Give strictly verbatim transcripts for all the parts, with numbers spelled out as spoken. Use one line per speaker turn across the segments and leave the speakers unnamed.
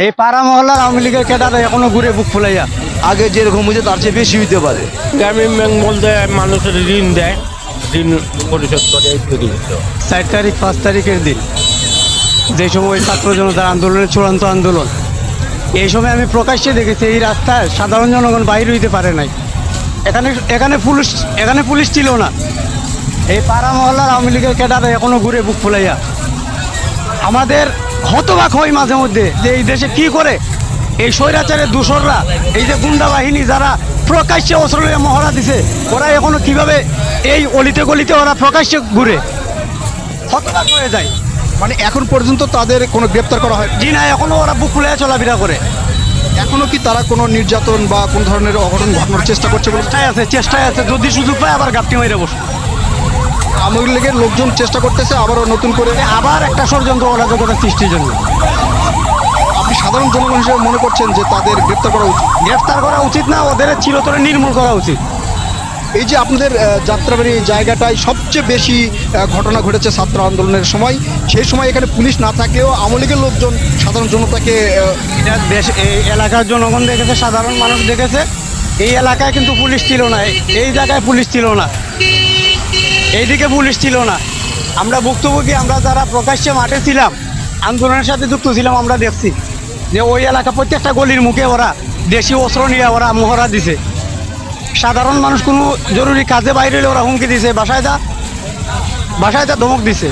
এই পাড়া মহল্লার আওয়ামী লীগের ক্যাডার এখনো ঘুরে বুক ফুলাইয়া
আগে যেরকম হয়েছে তার চেয়ে বেশি হইতে পারে।
গ্রামীণ ব্যাংক বলতে মানুষের ঋণ দেয়, ঋণ পরিশোধ করে এই তৈরি হতো।
চার তারিখ পাঁচ তারিখের দিন যে সময় ছাত্র জনতার আন্দোলনের চূড়ান্ত আন্দোলন, এই সময় আমি প্রকাশ্যে দেখেছি এই রাস্তায় সাধারণ জনগণ বাইরে হইতে পারে নাই। এখানে এখানে পুলিশ এখানে পুলিশ ছিল না। এই পাড়া মহল্লার আওয়ামী লীগের ক্যাডার এখনো ঘুরে বুক ফুলাইয়া। আমাদের হতবাক হয় মাঝে মধ্যে যে এই দেশে কি করে এই স্বৈরাচারের দূষররা, এই যে গুন্ডা বাহিনী যারা প্রকাশ্যে অস্ত্র নিয়ে মহড়া দিছে, ওরা এখনো কিভাবে এই অলিতে গলিতে ওরা প্রকাশ্যে ঘুরে, হতবাক হয়ে যায়।
মানে এখন পর্যন্ত তাদের কোনো গ্রেপ্তার করা হয়?
জি না, এখনো ওরা বুক ফুলে চলাফেরা করে।
এখনো কি তারা কোনো নির্যাতন বা কোন ধরনের অঘটন ঘটানোর চেষ্টা করছে বলে?
চেষ্টায় আছে চেষ্টায় আছে যদি সুযোগ পায় আবার গাপটি মেরে বসে।
আওয়ামী লীগের লোকজন চেষ্টা করতেছে আবারও নতুন করে।
আবার একটা ষড়যন্ত্র অরাজকতা সৃষ্টির জন্য।
আপনি সাধারণ জনগণ হিসেবে মনে করছেন যে তাদের গ্রেপ্তার করা উচিত?
গ্রেফতার করা উচিত না, ওদের চিরতরে নির্মূল করা উচিত।
এই যে আপনাদের আহ, যাত্রাবাড়ি জায়গাটায় সবচেয়ে বেশি আহ, ঘটনা ঘটেছে ছাত্র আন্দোলনের সময়, সেই সময় এখানে পুলিশ না থাকলেও আওয়ামী লীগের লোকজন সাধারণ জনতাকে আহ,
এটা দেশ এই এলাকার জনগণ দেখেছে, সাধারণ মানুষ দেখেছে। এই এলাকায় কিন্তু পুলিশ ছিল না, এই জায়গায় পুলিশ ছিল না, এইদিকে পুলিশ ছিল না। আমরা ভুক্তভোগী, আমরা যারা প্রকাশ্যে মাঠে ছিলাম, আন্দোলনের সাথে যুক্ত ছিলাম, আমরা দেখছি যে ওই এলাকা প্রত্যেকটা গলির মুখে ওরা দেশি অস্ত্র নিয়ে ওরা মহড়া দিছে। সাধারণ মানুষ কোনো জরুরি কাজে বাইরে হলে ওরা হুমকি দিছে, বাসায় যা বাসায় যা ধমক দিছে।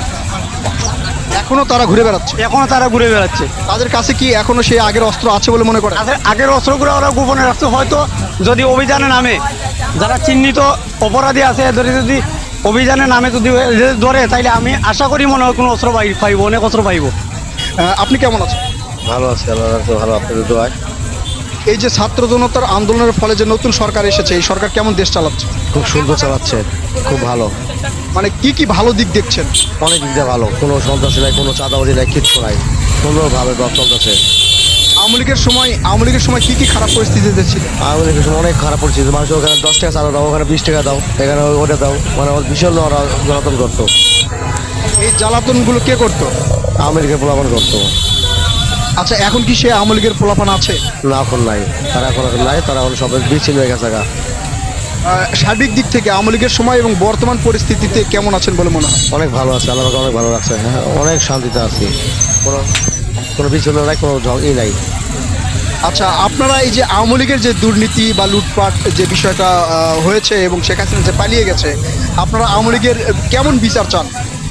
এখনো তারা ঘুরে বেড়াচ্ছে।
এখনো তারা ঘুরে বেড়াচ্ছে।
তাদের কাছে কি এখনো সেই আগের অস্ত্র আছে বলে মনে করে?
আগের আগের অস্ত্রগুলো ওরা গোপনে রাখছে। হয়তো যদি অভিযানে নামে, যারা চিহ্নিত অপরাধী আছে এদের যদি অভিযানে নামে যদি ধরে, তাইলে আমি আশা করি মনে হয় কোনো অস্ত্র পাই পাইব, অনেক অস্ত্র পাইব।
আহ, আপনি কেমন আছেন?
ভালো আছে, আল্লাহ রাখছে ভালো, আপনাদের দোয়ায়।
এই যে ছাত্র জনতার আন্দোলনের ফলে যে নতুন সরকার এসেছে, এই সরকার কেমন দেশ চালাচ্ছে?
খুব সুন্দর চালাচ্ছে, খুব ভালো।
মানে কি কি ভালো দিক দেখছেন?
অনেক দিক দিয়ে ভালো, কোনো সন্ত্রাসী নাই, কোনো চাঁদাবাজি নাই, কিচ্ছু নাই, সুন্দরভাবে দশ চলতেছে।
আওয়ামী লীগের সময় আওয়ামী লীগের সময় কি কি খারাপ পরিস্থিতিতে ছিল?
আওয়ামী লীগের সময় অনেক খারাপ পরিস্থিতি, মানুষ ওখানে দশ টাকা চাঁদা দাও, ওখানে বিশ টাকা দাও, এখানে ওটা দাও, মানে ওর ভীষণ ওরা জ্বালাতন করতো।
এই জ্বালাতনগুলো কে করতো?
আওয়ামী লীগের পোলাপান করতো।
আচ্ছা, এখন কি সে আওয়ামী লীগের পোলাপান আছে?
না, এখন নাই, তারা এখন এখন নাই, তারা এখন সবাই বিচ্ছিন্ন হয়ে গেছে গা।
আহ, সার্বিক দিক থেকে আওয়ামী লীগের সময় এবং বর্তমান পরিস্থিতিতে কেমন আছেন বলে মনে হয়?
অনেক ভালো আছে, আল্লাহ পাক অনেক ভালো রাখছে, হ্যাঁ, অনেক শান্তিতে আছি, কোনো কোনো বিচ্ছিন্ন নাই, কোনো ঝগ- ই নাই।
আচ্ছা, আপনারা এই যে আওয়ামী লীগের যে দুর্নীতি বা লুটপাট যে বিষয়টা আহ, হয়েছে এবং শেখ হাসিনা যে পালিয়ে গেছে, আপনারা আওয়ামী লীগের আহ, কেমন বিচার চান?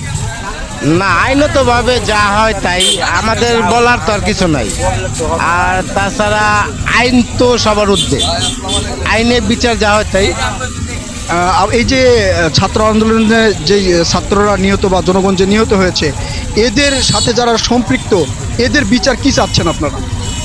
না, আইনতভাবে যা হয় তাই, আমাদের বলার তো আর কিছু নাই। আর তাছাড়া আইন তো সবার ঊর্ধ্বে, আইনে বিচার যা হয় তাই।
আহ, এই যে আহ, ছাত্র আন্দোলনে যে আহ, ছাত্ররা নিহত বা জনগণ যে নিহত হয়েছে, এদের সাথে যারা সম্পৃক্ত, এদের বিচার কি চাচ্ছেন আপনারা?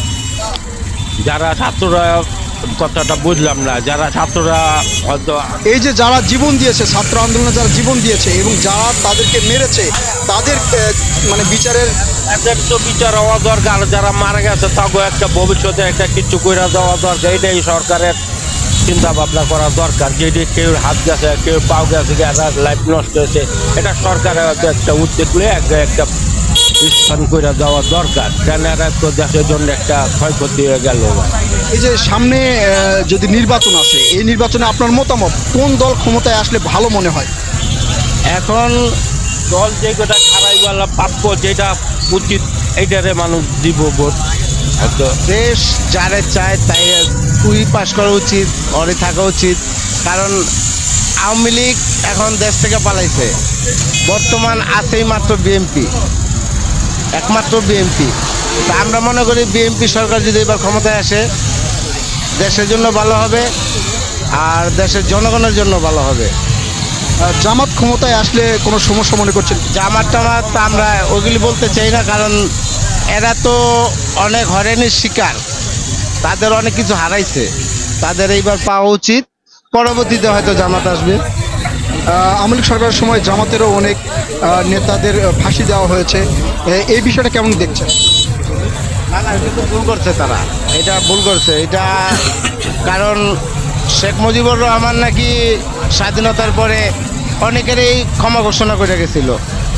যারা ছাত্ররা, কথাটা বুঝলাম না, যারা ছাত্ররা হয়তো
এই যে যারা জীবন দিয়েছে, ছাত্র আন্দোলনে যারা জীবন দিয়েছে এবং যারা তাদেরকে মেরেছে, তাদের আহ, মানে বিচারের
এদের তো বিচার হওয়া দরকার। যারা মারা গেছে তাকে একটা ভবিষ্যতে একটা কিছু করে দেওয়া দরকার, এটাই সরকারের চিন্তা ভাবনা করা দরকার। যেটি কেউ হাত গেছে, কেউ পাও গেছে, লাইফ নষ্ট হয়েছে, এটা সরকারের হয়তো একটা উদ্যোগ নিয়ে একটা একটা স্থান করে দেওয়া দরকার। কেন এরা তো দেশের জন্য একটা ক্ষয়ক্ষতি হয়ে গেল।
এই যে সামনে আহ, যদি নির্বাচন আসে, এই নির্বাচনে আপনার মতামত কোন দল ক্ষমতায় আসলে ভালো মনে হয়?
এখন দল যেটা খারাই বলা প্রাপ্য, যেটা উচিত, এইটারে মানুষ দিব ভোট। হয়তো
দেশ যারে চায় তাই তুই পাশ করা উচিত, ঘরে থাকা উচিত। কারণ আওয়ামী লীগ এখন দেশ থেকে পালাইছে, বর্তমান আছেই মাত্র বিএনপি, একমাত্র বিএনপি। তা আমরা মনে করি বিএনপি সরকার যদি এবার ক্ষমতায় আসে, দেশের জন্য ভালো হবে আর দেশের জনগণের জন্য ভালো হবে।
আহ, জামাত ক্ষমতায় আসলে কোনো সমস্যা মনে করছেন?
জামাত টামাত আমরা ওগুলি বলতে চাই না, কারণ এরা তো অনেক হয়রানির শিকার, তাদের অনেক কিছু হারাইছে, তাদের এইবার পাওয়া উচিত। পরবর্তীতে হয়তো জামাত আসবে।
আহ, আওয়ামী লীগ সরকারের সময় জামাতেরও অনেক আহ, নেতাদের আহ, ফাঁসি দেওয়া হয়েছে, এ- এই বিষয়টা কেমন দেখছেন?
না না, এটা তো ভুল করছে তারা, এটা ভুল করছে এটা। কারণ শেখ মুজিবুর রহমান নাকি স্বাধীনতার পরে অনেকেরই ক্ষমা ঘোষণা করে গেছিল,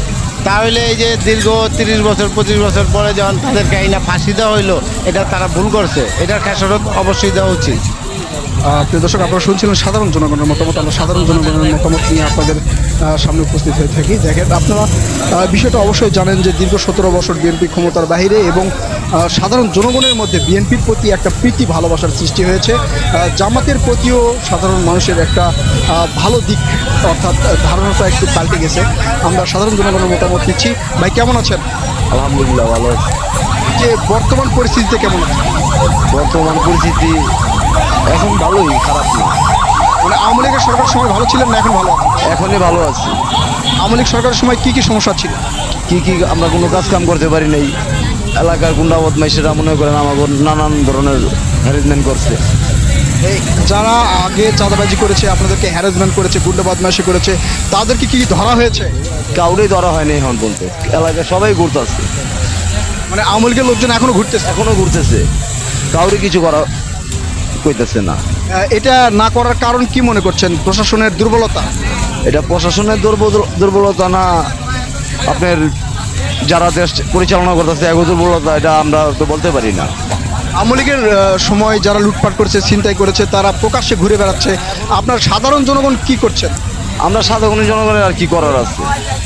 তাহলে এই যে দীর্ঘ তিরিশ বছর পঁচিশ বছর পরে যখন তাদেরকে এই না ফাঁসি দেওয়া হইলো, এটা তারা ভুল করছে, এটার খেসারত অবশ্যই দেওয়া উচিত।
আহ, প্রিয় দর্শক, আপনারা শুনছিলেন সাধারণ জনগণের মতামত। আমরা সাধারণ জনগণের মতামত নিয়ে আপনাদের আহ, সামনে উপস্থিত হয়ে থাকি। দেখেন, আপনারা আহ, বিষয়টা অবশ্যই জানেন যে দীর্ঘ সতেরো বছর বিএনপি ক্ষমতার বাইরে এবং আহ, সাধারণ জনগণের মধ্যে বিএনপির প্রতি একটা প্রীতি ভালোবাসার সৃষ্টি হয়েছে। আহ, জামাতের প্রতিও সাধারণ মানুষের একটা আহ, ভালো দিক অর্থাৎ আহ, ধারণাটা একটু পাল্টে গেছে। আমরা সাধারণ জনগণের মতামত নিচ্ছি। ভাই, কেমন আছেন?
আলহামদুলিল্লাহ ভালো আছি।
যে বর্তমান পরিস্থিতিতে কেমন আছেন?
বর্তমান পরিস্থিতি এখন ভালোই, খারাপ না।
মানে আওয়ামী লীগের সরকারের সময় ভালো ছিলেন না এখন ভালো আছেন?
এখনই ভালো আছি।
আওয়ামী লীগ সরকারের সময় কি কি সমস্যা ছিল?
কি কি আমরা কোনো কাজ কাম করতে পারি নাই। এলাকার গুন্ডা বদমাইশেরা মনে করেন আমাকে নানান ধরনের হ্যারাসমেন্ট করছে।
এই যারা আগে চাঁদাবাজি করেছে, আপনাদেরকে হ্যারাসমেন্ট করেছে, গুন্ডা বদমাইশি করেছে, তাদেরকে কি ধরা হয়েছে?
কাউরেই ধরা হয়নি এখন বলতে, এলাকায় সবাই ঘুরতেছে,
মানে আওয়ামী লীগের লোকজন এখনো ঘুরতেছে?
এখনো ঘুরতেছে, কাউরে কিছু করা কইতেছে না।
আহ, এটা না করার কারণ কি মনে করছেন? প্রশাসনের দুর্বলতা?
এটা প্রশাসনের দুর্বল দুর্বলতা না, আপনার যারা দেশ পরিচালনা করতেছে এক দুর্বলতা, এটা আমরা তো বলতে পারি না।
আওয়ামী লীগের আহ, সময় যারা লুটপাট করেছে, ছিনতাই করেছে, তারা প্রকাশ্যে ঘুরে বেড়াচ্ছে। আপনার সাধারণ জনগণ কি করছেন?
আমরা সাধারণ জনগণের আর কি করার আছে?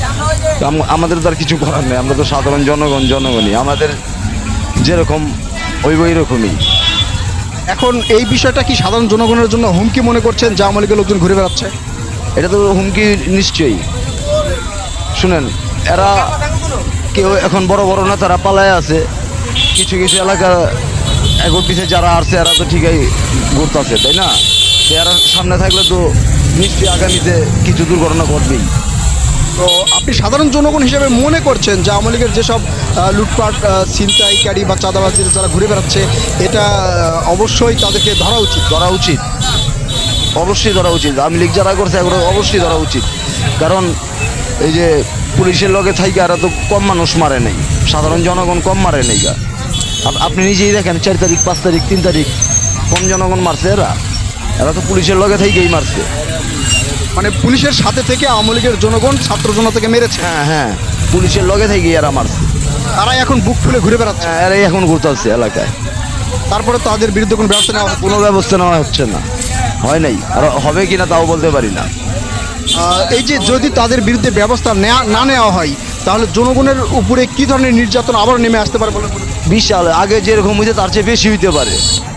আম- আমাদের তো আর কিছু করার নেই। আমরা তো সাধারণ জনগণ জনগণই, আমাদের যেরকম ওই ওই রকমই।
এখন এই বিষয়টা কি সাধারণ জনগণের জন্য হুমকি মনে করছেন যে আওয়ামী লীগের লোকজন ঘুরে বেড়াচ্ছে?
এটা তো হুমকি নিশ্চয়ই। শুনেন, এরা কেউ এখন বড় বড় নেতারা পালায় আছে, কিছু কিছু এলাকা এখন পিছিয়ে যারা আসছে এরা তো ঠিকই ঘুরতেছে, তাই না? তো এরা সামনে থাকলে তো নিশ্চয়ই আগামীতে কিছু দুর্ঘটনা ঘটবেই।
তো আপনি সাধারণ জনগণ হিসেবে মনে করছেন যে আওয়ামী লীগের যেসব আহ, লুটপাট, আহ, ছিনতাইকারী বা চাঁদাবাজির যারা ঘুরে বেড়াচ্ছে, এটা আহ, অবশ্যই তাদেরকে ধরা উচিত?
ধরা উচিত, অবশ্যই ধরা উচিত। আওয়ামী লীগ যারা করছে এগুলো অবশ্যই ধরা উচিত। কারণ এই যে পুলিশের লগে থাইকে এরা তো কম মানুষ মারে নাই, সাধারণ জনগণ কম মারে নাই গা। আপ- আপনি নিজেই দেখেন, চার তারিখ পাঁচ তারিখ তিন তারিখ কম জনগণ মারছে এরা, এরা তো পুলিশের লগে থাইকেই মারছে।
মানে পুলিশের সাথে থেকে আওয়ামী লীগের জনগণ ছাত্র জনতাকে মেরেছে,
হ্যাঁ হ্যাঁ, পুলিশের লগে থেকেই এরা মারছে।
তারাই এখন বুক ফুলে ঘুরে বেড়াচ্ছে।
হ্যাঁ, এরাই এখন ঘুরতে আসছে এলাকায়।
তারপরে তাদের বিরুদ্ধে কোনো ব্যবস্থা নেওয়া হচ্ছে?
কোনো ব্যবস্থা নেওয়া হচ্ছে না, হয় নাই, আর হবে কিনা তাও বলতে পারি না।
আহ, এই যে যদি তাদের বিরুদ্ধে ব্যবস্থা নেওয়া না নেওয়া হয়, তাহলে জনগণের উপরে কি ধরনের নির্যাতন আবার নেমে আসতে পারে বলে মনে করেন?
বিশাল, আগে যেরকম হইতে তার চেয়ে বেশি হইতে পারে,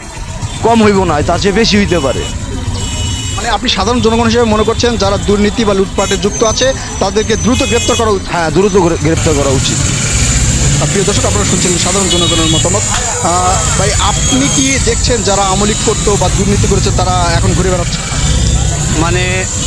কম হইব না, তার চেয়ে বেশি হইতে পারে।
মানে আপনি সাধারণ জনগণ হিসেবে মনে করছেন যারা দুর্নীতি বা লুটপাটে যুক্ত আছে তাদেরকে দ্রুত গ্রেপ্তার করা উচিত?
হ্যাঁ, দ্রুত গ্রে- গ্রেপ্তার করা উচিত।
আর প্রিয় দর্শক, আপনারা শুনছেন সাধারণ জনগণের মতামত। আহ, ভাই, আপনি কি দেখছেন যারা আওয়ামী লীগ করতো বা দুর্নীতি করেছে তারা এখন ঘুরে বেড়াচ্ছে?
মানে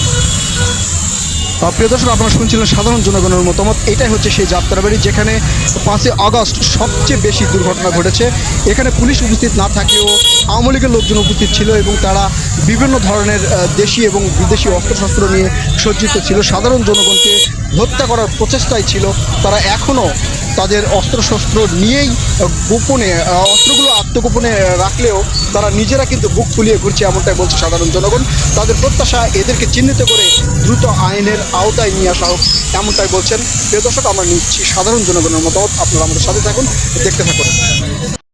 আহ, প্রিয় দর্শক, আপনারা শুনছিলেন সাধারণ জনগণের মতামত। এটাই হচ্ছে সেই যাত্রাবাড়ি যেখানে পাঁচই আগস্ট সবচেয়ে বেশি দুর্ঘটনা ঘটেছে। এখানে পুলিশ উপস্থিত না থাকলেও আওয়ামী লীগের লোকজন উপস্থিত ছিল এবং তারা বিভিন্ন ধরনের আহ, দেশি এবং বিদেশি অস্ত্রশস্ত্র নিয়ে সজ্জিত ছিল। সাধারণ জনগণকে হত্যা করার প্রচেষ্টাই ছিল। তারা এখনও তাদের অস্ত্রশস্ত্র নিয়েই আহ, গোপনে আহ, অস্ত্রগুলো আত্মগোপনে আহ, রাখলেও তারা নিজেরা কিন্তু বুক ফুলিয়ে ঘুরছে, এমনটাই বলছে সাধারণ জনগণ। তাদের প্রত্যাশা এদেরকে চিহ্নিত করে দ্রুত আইনের আওতায় নিয়ে আসা হোক, এমনটাই বলছেন। প্রিয় দর্শক, আমরা নিচ্ছি সাধারণ জনগণের মতামত। আপনারা আমাদের সাথে থাকুন, দেখতে থাকুন।